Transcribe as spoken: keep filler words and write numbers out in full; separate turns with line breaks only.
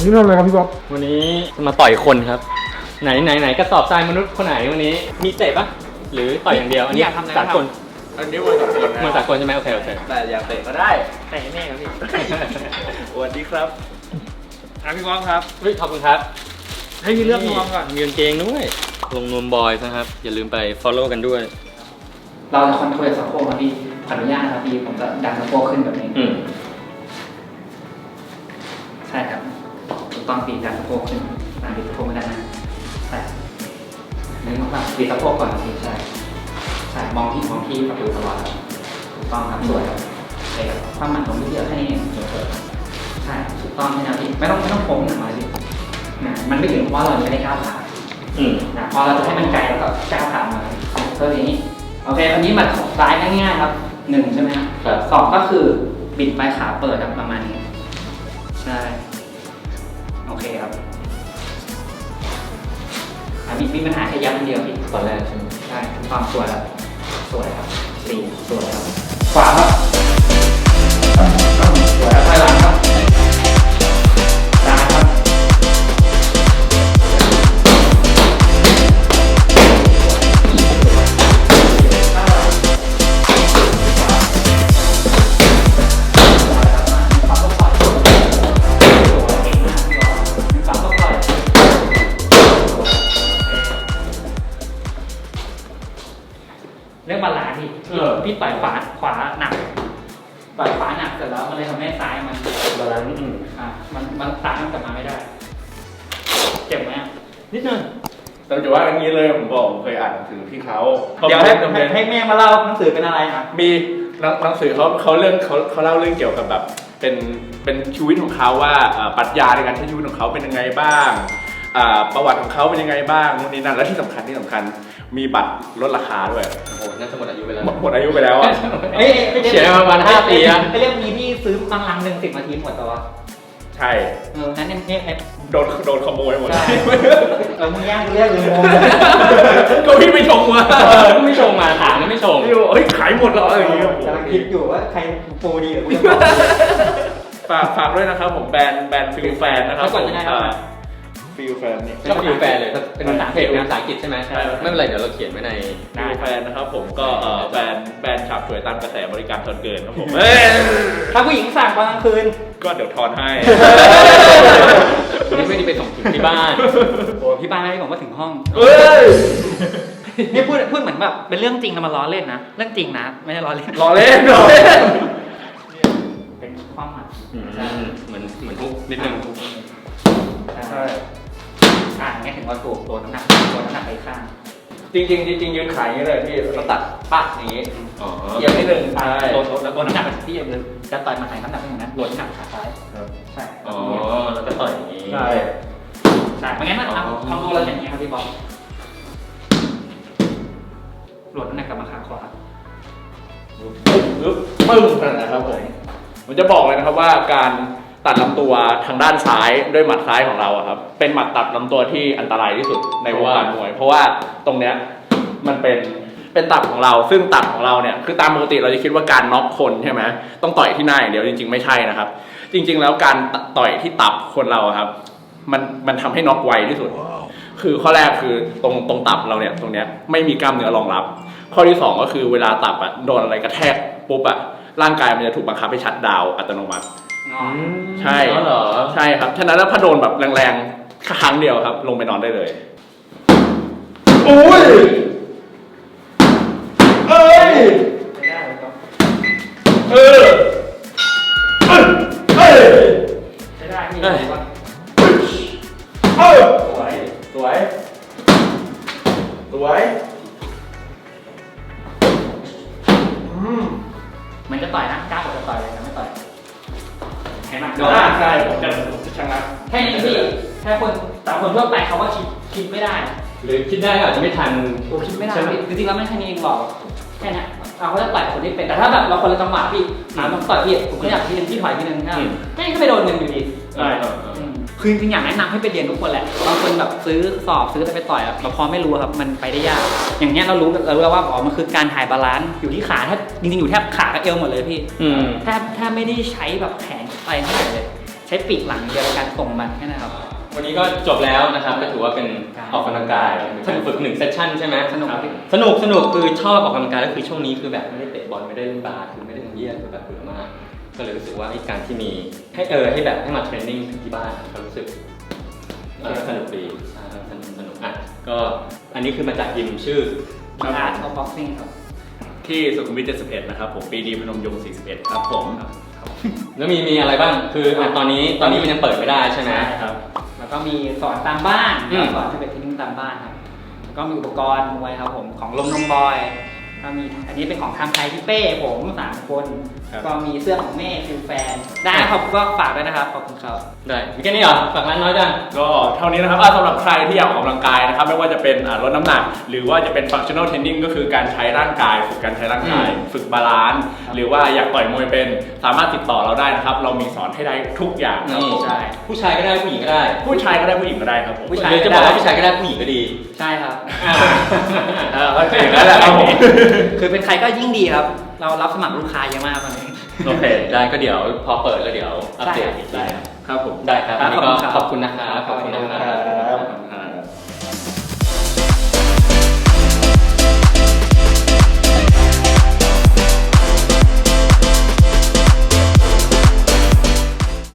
นี่ทำอะไรครับพี่บ๊อบ
วันนี้มาต่อยคนครับไหนไหนไหนกระสอบทรายมนุษย์คนไหนวันนี้มีเตะปะหรือต่อยอย่างเดียวอันนี้สากล
อันนี้วันสากล
มันสากลใช่ไหมโอเคโอเค
แต่อยากเตะก็ได้
เตะแน่ครับพี่
สวัสดีครับ
อ่ะพี่บ๊อบครับเฮ้ยขอบคุณครับให้มีเรื่องนวมก่อนมีกางเกงด้วยลงนวมบอยนะครับอย่าลืมไป follow กันด้วย
เราจะคอนโทรลสะโพกครับพี่ขออนุญาตนะครับพี่ผมจะดันสะโพกขึ้นแบบนี้ใช่ครับถูกต้องปีดันสะโพกขึ้นดันปีสะโพกไม่ได้นะใช่นึกว่าปีสะโพกก่อนพี่ใช่ใช่มองที่มองที่ประตูตลอดถูกต้องครับสวยครับเองความหมั่นของพี่เยอะแค่นี้เองใช่ถูกต้องใช่ไหมพี่ไม่ต้องไม่ต้องโค้งหนักมาพี่มันไม่ถึงเพราะเราไม่ได้ก้าวขานะพอเราจะให้มันไกลแล้วก็ก้าวขามาเท่านี้โอเคอันนี้มันซ้ายง่ายๆครับหนึ่งใช่ไหมครับสองก็คือบิดปลายขาเปิดครับประมาณนี้ใช่โอเคครับมีมีปัญหาแค่ยับอันเดียวพี่
ตอนแรกใช่ไหม
ใช่ความสวยครับสวยครับสี่สวยครับขวาครับสวยครับไปหลังครับซ้ายครับเรื่องบาลานซ์พี่พี่ต่อยขวาขวาหนักต่อยขวาหนักเสร็จแล้วมันเลยทำให้ซ้ายมัน
บาลานซ์
อ่ามันมันซ้ายมันกลับมาไม่ได้เจ็บไหม
นิดนึง
แต่จะว่าอย่างนี้เลยผมบอกผมเคยอ่านหนังสือพี่เขา
เดี๋ยวให้ให้แม่มาเล่าหนังสือเป็นอะไรครับ
มีหนังสือเขาเขาเรื่องเขาเขาเล่าเรื่องเกี่ยวกับแบบเป็นเป็นชีวิตของเขาว่าปรัชญาในการใช้ชีวิตของเขาเป็นยังไงบ้างประวัติของเขาเป็นยังไงบ้างนู่นนี่นั่นและที่สำคัญที่สำคัญมีบัตรลดราคาด้วย
โอ้โหน่าจะหมดอายุไปแล้ว
หมดอายุไปแล้วอ่ะ
เอ้ย
เขียนมาประมาณห้าปีอะ
ไอเรื่องนี้ที่ซื้อบางลังหนึ่งสิบนาทีหมดตัว
ใช่
เออนั้นเนี่ย
โดนโดนขโมยหมด
เรามึงย่างเรียกเลยงง
ก็พี่ไม่ชงมา
ไม่ชงมาถามไม่ชง
เฮ้ยขายหมดแล้วอะไรอย่างเงี้ย
กำลังคิดอยู่ว่าใครโปรดีหรือกู
ฝากฝากด้วยนะครับผมแบรนด์แบรนด์ฟิลแฟนนะครับ
ผม
ฟิลแฟนนี่
ก็ฟิลแฟนเลยเป็นภาษาเพจเป็นภาษาอังกฤษใช่ไหมไม่เป็นไรเดี๋ยวเราเขียนไว้ใน
ฟิลแฟนนะครับผมก็แบรนด์แบรนด์ฉับสวยตามกระแสบริการทอนเกินครับผม
ถ้าผู้หญิงสั่งตอนกลางคืน
ก็เดี๋ยวทอนให้
นี่ไม่ได้ไปส่งถึงที่บ้าน
โอ้พี่บ้านไม่ได้บอกว่าถึงห้องนี่พูดพูดเหมือนแบบเป็นเรื่องจริงนะมาล้อเล่นนะเรื่องจริงนะไม่ใช่ล้อเล่น
ล้อเล่นล้อเล่น
เป็นความหมาย
เหมือนเหมือนทุกนิดนึง
ใช่
อ่างี้ถึงว่าถูกตัวน้ำหนักตัวน้ำหนักไปข้าง
จริงจริงจริงยืนขายอย่างนี้เลยพี่เราตัดปักอย่างนี้เอียงนิดนึงใช่
ตัวแล้วตัวน้ำหนักที่ยังจะต่อยมาใส่น้ำหนักอย่างนั้นลดน้ำหนักขาซ้ายใช่
อ๋อแล้วก็ต่อยอย่างนี้
ใช่
ใช่ไม่งั้นมันทำตัวเราอย่างนี้ครับพี่บอลลดน้ำหนักกลับมาขาขวา
ปึ๊บปึ้งขนาดนะครับผมผมจะบอกเลยนะครับว่าการตัดลำตัวทางด้านซ้ายด้วยหมัดซ้ายของเราครับเป็นหมัดตัดลำตัวที่อันตรายที่สุดในวงการมวยเพราะว่าตรงเนี้ยมันเป็นเป็นตับของเราซึ่งตับของเราเนี่ยคือตามปกติเราจะคิดว่าการน็อกคนใช่ไหมต้องต่อยที่หน้าอย่างเดียวจริงๆไม่ใช่นะครับจริงๆแล้วการต่อยที่ตับคนเราครับมันมันทำให้น็อกไวที่สุดคือข้อแรกคือตรงตรงตับเราเนี่ยตรงเนี้ยไม่มีกล้ามเนื้อรองรับข้อที่สองก็คือเวลาตับอ่ะโดนอะไรกระแทกปุ๊บอ่ะร่างกายมันจะถูกบังคับให้ชัตดาวน์อัตโนมัติใช่
เหรอ
ใช่ครับฉะนั้นแล้วพอโดนแบบแรงๆครั้งเดียวครับลงไปนอนได้เลยโอ้ยเอ้ยไม่ได้ครับเออเอ้ยเอ้ย
ไม่ได้พี่ว่า
เออสวยสวยสวยอืม
มันจะต่อยนะกล้าจะต่อยเลยนะไม่ต่อยเห็นไหม
เดี๋ยวใช่ผมจะผมจะชนะ
แค่นี้พี่แค่คนแต่คนทั่วไปเขาว่าคิดคิดไม่ได้
หรือคิดได้ก็อาจจะไม่ทัน
โอ้คิดไม่ได้จริงๆแล้วไม่แค่นี้เองหรอกแค่นี้เราเขาจะต่อยคนที่เป็นแต่ถ้าแบบเราคนละจังหวะพี่อ่าต้องต่อยพี่ผมก็อยากทีนึงที่ถอยทีนึงนะแค่นี้ก็ไปโดนเงินอยู่ดี
ใช่
คือจริงๆอยากแนะนำให้ไปเรียนทุกคนแหละบางคนแบบซื้อสอบซื้อไปต่อยแบบพอไม่รู้ครับมันไปได้ยากอย่างเงี้ยเรารู้เรารู้แล้วว่าอ๋อมันคือการถ่ายบาลานซ์อยู่ที่ขาแทบจริงๆอยู่แทบขากับเอวหมดเลยพี่แทบแทบไม่ได้ใช้แบบแขนอะไรเท่าไหร่เลยใช้ปีกหลังเดียวในการส่งมันแค่นั้นครับ
วันนี้ก็จบแล้วนะครับก็ถือว่าเป็นออกกำลังกายฝึกหนึ่งเซสชั่นใช่ไหม
สนุก
สนุกสนุกคือชอบออกกำลังกายก็คือช่วงนี้คือแบบไม่ได้เตะบอลไม่ได้เล่นบาสคือไม่ได้ทำเยี่ยคือแบบเบื่อมากก็เลยรู้สึกว่าไอ้การที่มีให้เออให้แบบให้มาเทรนนิ่งถึงที่บ้านก็รู้สึกเออสนุกดีอ่าสนุกสนุกอ่ะก็อันนี้คือมาจากยิมชื่อ
Art of Boxing ครับ
ที่สุขุมวิทเจ็ดสิบเอ็ดนะครับผมปีดีพนมยงค์สี่สิบเอ็ดครับผม
แล้วมีมีอะไรบ้างคืออ่ะตอนนี้ตอนนี้มันยังเปิดไม่ได้ใช่ไหม
ครับ
แล้วก็มีสอนตามบ้าน
อืม
สอนที่เป็นเทรนนิ่งตามบ้านครับแล้วก็มีอุปกรณ์มวยครับผมของลมนมบอยก็มีอันนี้เป็นของทำไทยที่เป้ผมสามคน
ครับ
ก็มีเสื้อของแม่ฟิลแฟนได้ครับก็ฝากด้วยนะครับขอบคุณครับ
ได้มีแค่นี้เหรอฝากร้านน้อยจัง
ก็เท่านี้นะครับอ่ะสำหรับใครที่อยากออกกำลังกายนะครับไม่ว่าจะเป็นอ่ะลดน้ำหนัก หรือว่าจะเป็น functional training ก็คือการใช้ร่างกายฝึกการใช้ร่างกาย
อืม
ฝึกบาลานซ์หรือว่าอยากต่อยมวยเป็นสามารถติดต่อเราได้นะครับเรามีสอนให้ได้ทุกอย่างครับ
นี่
ผม
ใช่
ผู้ชายก็ได้ผู้หญิงก็ได้
ผู้ชายก็ได้ผู้หญิงก็ได้ครับผม
ผู้ชาย
เดี๋ยวจะบอกว่าผู้ชายก็ได้ผู้หญิงก็ดี
ใช่ครับ
เออก็จริงแล้วแหละครับผม
คือเป็นใครก็ยิ่งดีครับ เรารับสมัครลูกค้าเยอะมากตอนนี้
โอเค ได้ก็เดี๋ยวพอเปิดแล้วเดี๋ยวอัปเดตอีกที
ได้ครับผม
ได้ครับ
ครั
วั
บ
นนี้ก็
ข
ข
อ
อ
บบ คุ
คุณ ณ
ครั
นะครับ บขอบคุณนะครับ